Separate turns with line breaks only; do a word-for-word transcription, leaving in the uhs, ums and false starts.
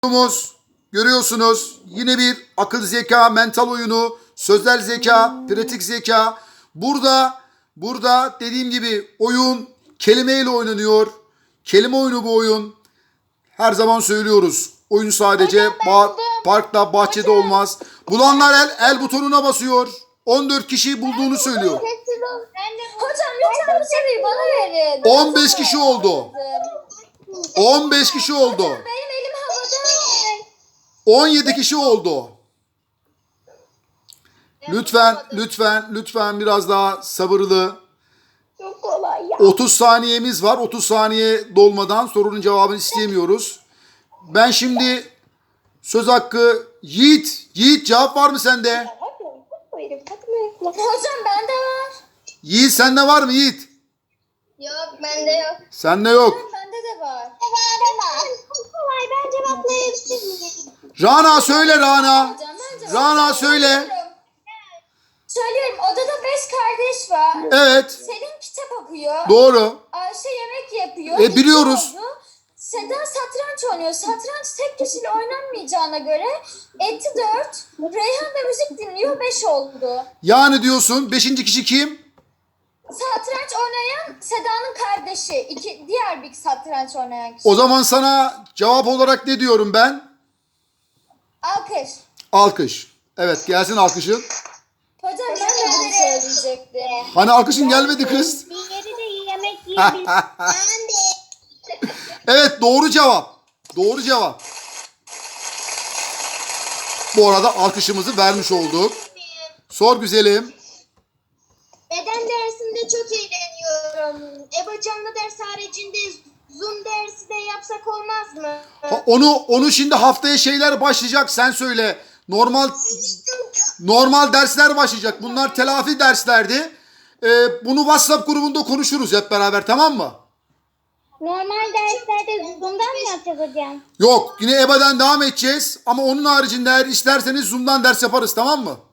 Oyunumuz görüyorsunuz yine bir akıl zeka, mental oyunu, sözel zeka, pratik zeka. Burada burada dediğim gibi oyun kelimeyle oynanıyor. Kelime oyunu bu oyun. Her zaman söylüyoruz. Oyun sadece
Hocam ben
ba-
buldum.
parkta, bahçede
Hocam.
olmaz. Bulanlar el el butonuna basıyor. on dört kişi bulduğunu söylüyor.
Sessiz ol. Hocam lütfen bu soruyu bana verin.
on beş kişi oldu. on beş kişi oldu.
Benim elim havada.
on yedi kişi oldu. Lütfen, lütfen, lütfen biraz daha sabırlı.
Çok kolay ya.
otuz saniyemiz var. otuz saniye dolmadan sorunun cevabını isteyemiyoruz. Ben şimdi söz hakkı Yiğit. Yiğit cevap var mı sende?
Hocam bende var.
Yiğit sende var mı Yiğit?
Yok bende yok.
Sende yok.
Bende de var. Bende var. Çok kolay ben cevaplayabilirim.
Rana söyle Rana.
Hocam ben cevaplayabilirim.
Rana söyle.
Söylüyorum odada beş kardeş var.
Evet.
Selin kitap okuyor.
Doğru.
Ayşe yemek yapıyor.
E, biliyoruz.
İki oldu. Seda satranç oynuyor. Satranç tek kişiyle oynanmayacağına göre etti dört. Reyhan da müzik dinliyor beş oldu.
Yani diyorsun beşinci kişi kim?
Satranç oynayan Seda'nın kardeşi. İki, diğer bir satranç oynayan kişi.
O zaman sana cevap olarak ne diyorum ben?
Alkış.
Alkış. Evet gelsin alkışın.
Hocam ben de bunu söyleyecektim.
Hani alkışın gelmedi kız.
Diğeri de yemek yiyebilir. Ben de.
Evet doğru cevap. Doğru cevap. Bu arada alkışımızı vermiş olduk. Sor güzelim.
Beden dersinde çok eğleniyorum. EBA canlı ders haricinde Zoom dersi de yapsak olmaz mı?
Ha, onu onu şimdi haftaya şeyler başlayacak. Sen söyle. Normal normal dersler başlayacak. Bunlar telafi derslerdi. Ee, bunu WhatsApp grubunda konuşuruz hep beraber, tamam mı?
Normal derslerde Zoom'dan mı yapacağız hocam?
Yok, yine E B A'dan devam edeceğiz. Ama onun haricinde eğer isterseniz Zoom'dan ders yaparız, tamam mı?